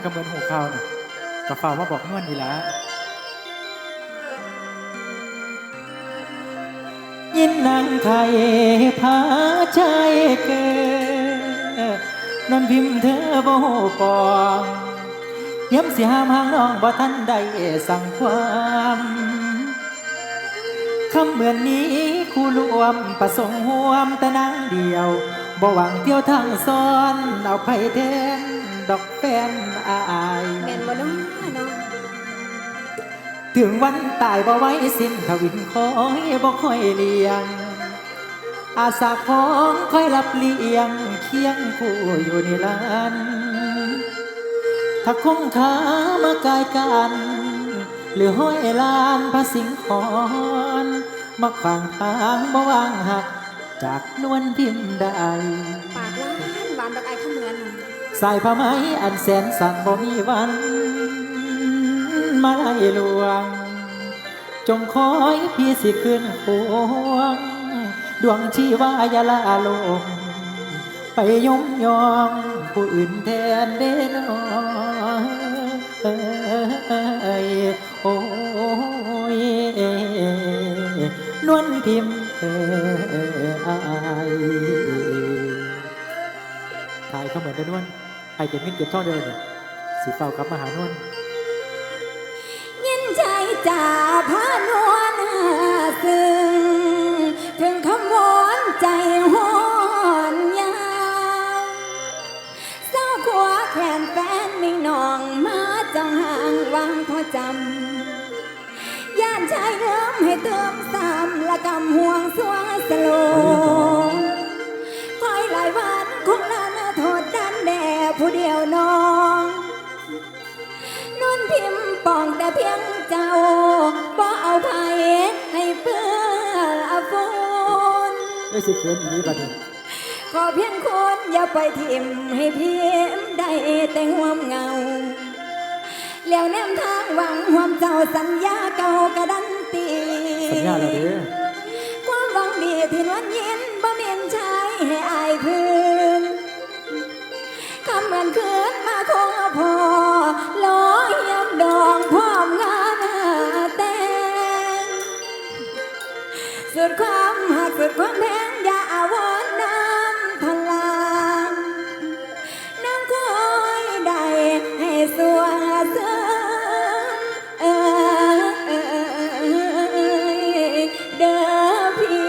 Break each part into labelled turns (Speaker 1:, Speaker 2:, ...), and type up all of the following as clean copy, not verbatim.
Speaker 1: ก็เหมือนหูข้าวน่ะก็ฝ่ามาบอกนวลนี่ละยินนางไทยพาใจเกิดนนพิมพ์เธอบ่หูปองย้ำสิหามหางน้องบ่ทันได้สั่งความคำเหมือนนี้คู่รวมประสงค์ห่วมแต่นางเดียวบ่หวังเที่ยวทางซ้อนเอาไผแทนดอกแฟนอาย
Speaker 2: แม่นบ่น้องน้อง
Speaker 1: ถึงวันตายบ่ไว้สิ้นทวินคอยบ่ค่อยเลี้ยงอาสาของค่อยรับเลี้ยงเคียงคู่อยู่ในลานถ้าคงขาเมื่อกายกันหรือห้อยลานพระสิงห์ขอนมาขวางทางบ่วางหักจากนวลพิมพ์ได้
Speaker 2: ปากหวานดอกไอ้ข้าเหมือน
Speaker 1: สายผ้าไหมอันแสนสั่นบ่มีวันมาไล่ลวงจงคอยพี่สิขึ้นพวงดวงชีวายาลาลงไปยมยองผู้อื่นแทนเด้นโอ้ยนวลพิมพ์อายถ่ายเขาเหมือนกันนวลไอ้เก็บเงินเก็บทองเดินสีเฝ้ากลับมาหานวล
Speaker 2: ยินใจจ่าพานวลซึ้งถึงคำวอนใจหอนยาวเศร้าขัวแขนแฟนมิ่งนองมาจังห่างวังพอจำย่านชายเดิมให้เติมซ้ำละกำห่วงสวงสโลคอยหลายวันคงนานโทษดันแด่ผู้เดียวน้องนนพิมพ์ปองแต่เพียงเจ้าบ่เอาไผให้เปื้อฝุ่น
Speaker 1: ไม่สิเขินอีนี้บัดนี้
Speaker 2: ขอเพียงคนอย่าไปทิมให้พิมพ์ได้แต่ห่วมเงาแล้วแนมทางหวังห่วมเจ้าสัญญาเก่ากระดันตี
Speaker 1: สัญญาแล้วเด้อ
Speaker 2: ความหวังดีที่นวลยินบ่เมียนชายให้อายคืนคำเหมือนคืนมาคงพอลอยยำดองพร้อมงานแต่งสุดความหักสุดความแพงอย่าอาวรณ์น้ำพลังน้ำคอยได้ให้สวงเสริมเด้อพี่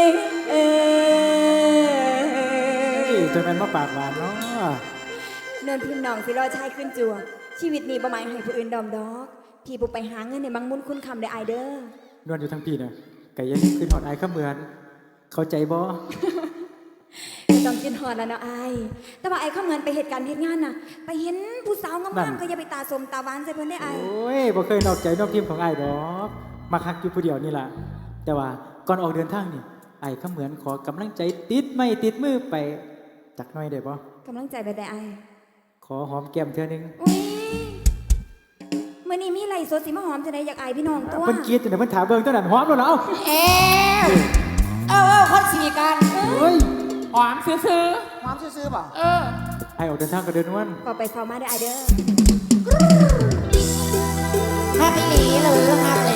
Speaker 1: จนมันมาปากหวานเนาะ
Speaker 2: เนินพิมพ์หนองสิรอชายขึ้นจัวชีวิตนี้บ่หมายให้ผู้อื่นดอมดอกพี่บุกไปหาเงินในบางมุนคุณคำได้อายเด้อน
Speaker 1: วลอยู่ทั้งปีนะไก่ยังขึ้นหอดไอ้ข้าเหมือนเข้าใจบ่
Speaker 2: ไม่ต้องกินหอดแล้วเนาะอายแต่ว่าไอ้เข้าเงินไปเหตุการณ์เหตุงานน่ะ ไปเห็นผู้สาวงามๆก็อย่าไปตาสมตาหวานใส่เพิ่นได้อาย
Speaker 1: โอ้ยบ่เคยนอกใจนอกทีมของไอ้ดอกมาคักอยู่ผู้เดียวนี่ล่ะแต่ว่าก่อนออกเดินทางนี่ไอ้ข้าเหมือนขอกำลังใจติดไม่ติดมือไปจักหน่อยได้บ่
Speaker 2: กำลังใจไปแต่อาย
Speaker 1: ขอหอมแก้มเธอนึง
Speaker 2: อุ้ยมื่อนี้มีไหลสดสีมาหอมจะได้อยากอายพี่น้องตัว
Speaker 1: เพิ่นกรีดจังได๋เพิ่นถามเบิ่งเท่านั้นหอมแล้วล่ะ
Speaker 3: เ
Speaker 1: เอ้า
Speaker 3: คนสีกัน
Speaker 1: เฮ้ย
Speaker 4: หอมซื้อ
Speaker 3: หอมซื้อๆป่ะ
Speaker 4: ๆ
Speaker 1: ไอ้ออกเดินทางก็เดินนวล
Speaker 2: พอไปฟอมาได้อายเด้อ
Speaker 3: ฮักอีหลีหรือฮักแ